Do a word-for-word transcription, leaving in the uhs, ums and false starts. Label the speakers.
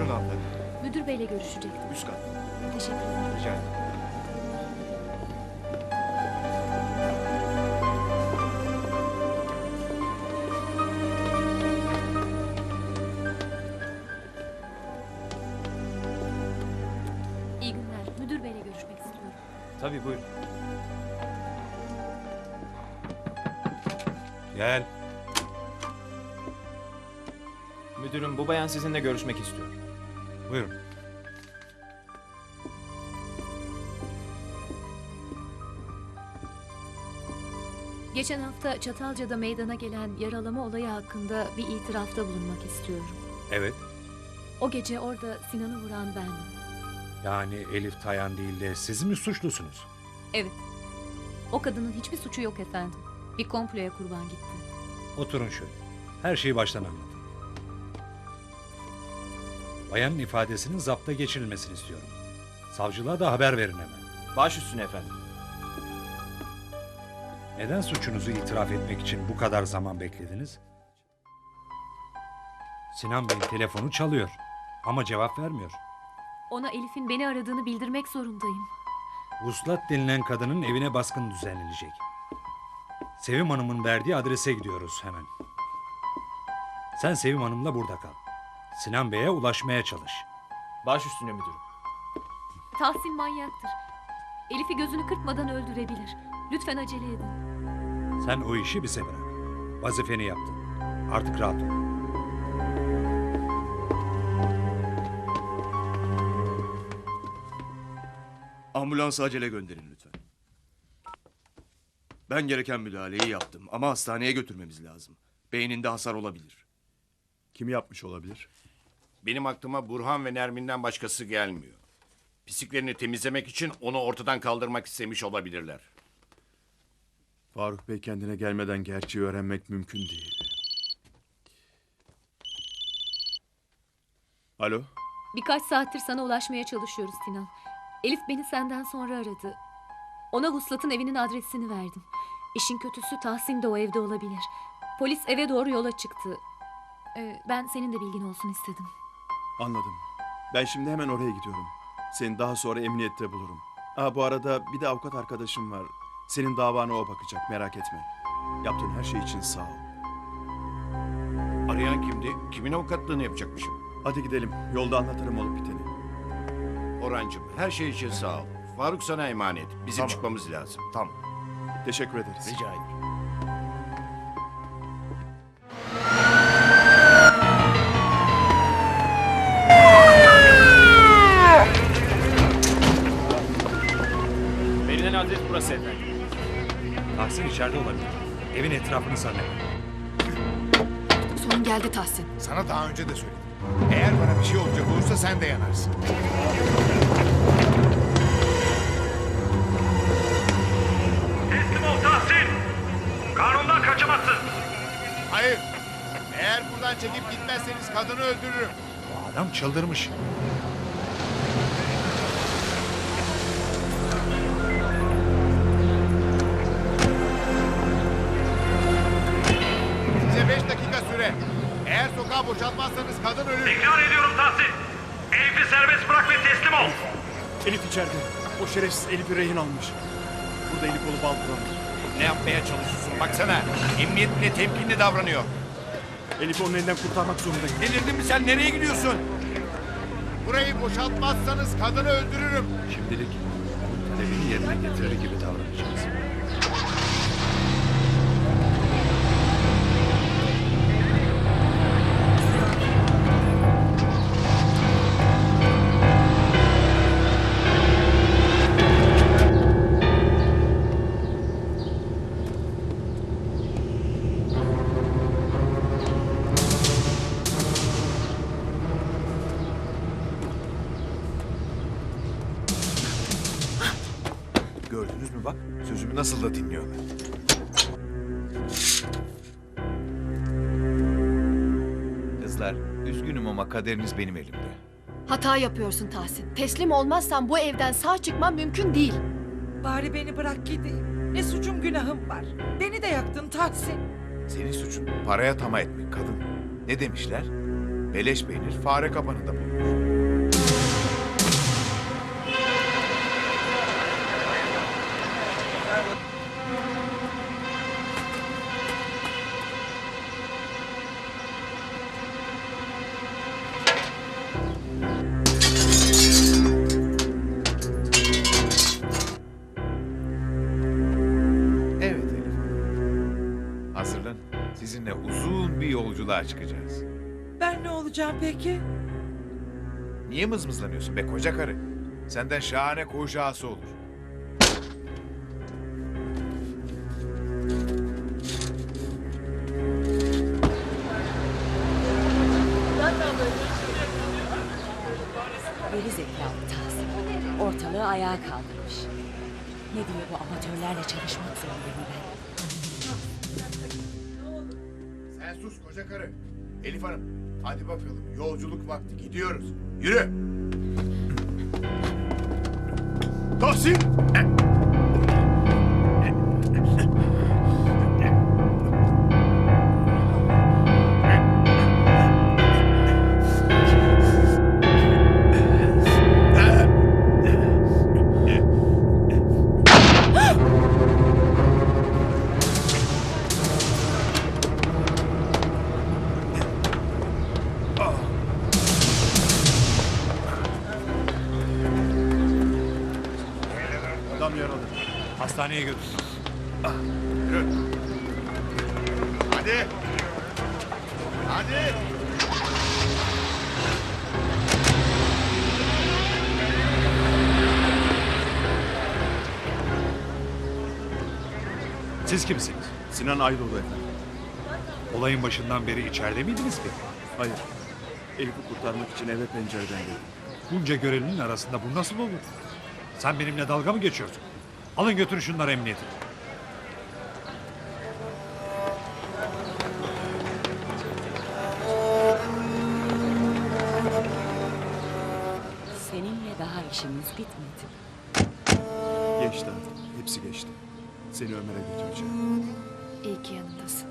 Speaker 1: Buyurun hanımefendi.
Speaker 2: Müdür beyle görüşecektim.
Speaker 1: Üst kat.
Speaker 2: Teşekkür ederim.
Speaker 1: Rica ederim.
Speaker 2: İyi günler. Müdür beyle görüşmek istiyorum.
Speaker 1: Tabii buyurun.
Speaker 3: Gel.
Speaker 1: Müdürüm bu bayan sizinle görüşmek istiyor.
Speaker 3: Buyurun.
Speaker 2: Geçen hafta Çatalca'da meydana gelen yaralama olayı hakkında bir itirafta bulunmak istiyorum.
Speaker 3: Evet.
Speaker 2: O gece orada Sinan'ı vuran bendim.
Speaker 3: Yani Elif Tayan değil de siz mi suçlusunuz?
Speaker 2: Evet. O kadının hiçbir suçu yok efendim. Bir komploya kurban gitti.
Speaker 3: Oturun şöyle. Her şeyi baştan anlatın. Bayanın ifadesinin zapta geçirilmesini istiyorum. Savcılığa da haber verin hemen.
Speaker 1: Baş üstüne efendim.
Speaker 3: Neden suçunuzu itiraf etmek için bu kadar zaman beklediniz? Sinan Bey'in telefonu çalıyor ama cevap vermiyor.
Speaker 2: Ona Elif'in beni aradığını bildirmek zorundayım.
Speaker 3: Vuslat denilen kadının evine baskın düzenlenecek. Sevim Hanım'ın verdiği adrese gidiyoruz hemen. Sen Sevim Hanım'la burada kal. Sinan Bey'e ulaşmaya çalış.
Speaker 1: Baş üstüne müdürüm.
Speaker 2: Tahsin manyaktır. Elif'i gözünü kırpmadan öldürebilir. Lütfen acele edin.
Speaker 3: Sen o işi bize bırak. Vazifeni yaptın. Artık rahat ol.
Speaker 4: Ambulansı acele gönderin lütfen. Ben gereken müdahaleyi yaptım ama hastaneye götürmemiz lazım. Beyninde hasar olabilir.
Speaker 5: Kim yapmış olabilir?
Speaker 6: Benim aklıma Burhan ve Nermin'den başkası gelmiyor. Pisliklerini temizlemek için onu ortadan kaldırmak istemiş olabilirler.
Speaker 5: Faruk Bey kendine gelmeden gerçeği öğrenmek mümkün değil. Alo?
Speaker 2: Birkaç saattir sana ulaşmaya çalışıyoruz Sinan. Elif beni senden sonra aradı. Ona Vuslat'ın evinin adresini verdim. İşin kötüsü Tahsin de o evde olabilir. Polis eve doğru yola çıktı. Ee, ben senin de bilgin olsun istedim.
Speaker 5: Anladım. Ben şimdi hemen oraya gidiyorum. Seni daha sonra emniyette bulurum. Aa, bu arada bir de avukat arkadaşım var. Senin davana o bakacak, merak etme. Yaptığın her şey için sağ ol.
Speaker 6: Arayan kimdi? Kimin avukatlığını yapacakmışım?
Speaker 5: Hadi gidelim. Yolda anlatırım olup biteni.
Speaker 6: Orhancığım, her şey için sağ ol. Faruk sana emanet. Bizim
Speaker 4: Tamam.
Speaker 6: çıkmamız lazım.
Speaker 4: Tamam.
Speaker 5: Teşekkür ederiz.
Speaker 6: Rica ederim.
Speaker 1: Verilen adres burası efendim.
Speaker 3: Tahsin içeride olabilir. Evin etrafını sarın.
Speaker 2: Son geldi Tahsin.
Speaker 7: Sana daha önce de söyledim. Eğer bana bir şey olacak olursa sen de yanarsın.
Speaker 8: Teslim ol Tahsin. Kanundan kaçamazsın.
Speaker 7: Hayır. Eğer buradan çekip gitmezseniz kadını öldürürüm.
Speaker 3: Bu adam çıldırmış.
Speaker 7: Size beş dakika süre. Eğer sokağı boşaltmazsanız kadın ölür.
Speaker 8: Tekrar ediyorum Tahsin. Elif'i serbest bırak ve teslim ol.
Speaker 5: Elif içeride. O şerefsiz Elif'i rehin almış. Burada Elif olup aldılar.
Speaker 6: Ne yapmaya çalışıyorsun? Baksana. Emniyet bile temkinli davranıyor.
Speaker 5: Elif'i onun elinden kurtarmak zorundayım.
Speaker 6: Delirdin mi sen? Nereye gidiyorsun?
Speaker 7: Burayı boşaltmazsanız kadını öldürürüm.
Speaker 3: Şimdilik onun talebini yerine getirir gibi davranacağız.
Speaker 7: Gördünüz mü bak? Sözümü nasıl da dinliyorlar.
Speaker 9: Kızlar, üzgünüm ama kaderiniz benim elimde.
Speaker 10: Hata yapıyorsun Tahsin. Teslim olmazsan bu evden sağ çıkman mümkün değil.
Speaker 11: Bari beni bırak gideyim. Ne suçum günahım var. Beni de yaktın Tahsin.
Speaker 7: Senin suçun paraya tamah etmek kadın. Ne demişler? Beleş peynir fare kapanında bulunur. Evet Elif Hanım. Hazırlan. Sizinle uzun bir yolculuğa çıkacağız.
Speaker 11: Ben ne olacağım peki?
Speaker 7: Niye mızmızlanıyorsun be koca karı? Senden şahane koğuş ağası olur.
Speaker 12: Geri zekalı Tahsin. Ortalığı ayağa kaldırmış. Ne diye bu amatörlerle çalışmak zorundayım ben?
Speaker 7: Sen sus koca karı. Elif Hanım, hadi bakalım. Yolculuk vakti. Gidiyoruz. Yürü. Tahsin!
Speaker 5: Adam yaralı.
Speaker 3: Hastaneye götür.
Speaker 7: Yürü. Hadi. Hadi.
Speaker 3: Siz kimsiniz?
Speaker 5: Sinan Aydoğdu efendim.
Speaker 3: Olayın başından beri içeride miydiniz peki?
Speaker 5: Hayır. Elif'i kurtarmak için eve pencereden geldim.
Speaker 3: Bunca görevlinin arasında bu nasıl olur? Sen benimle dalga mı geçiyorsun? Alın götürün şunları emniyete.
Speaker 12: Seninle daha işimiz bitmedi.
Speaker 5: Geçti artık. Hepsi geçti. Seni Ömer'e götüreceğim.
Speaker 10: İyi ki yanındasın.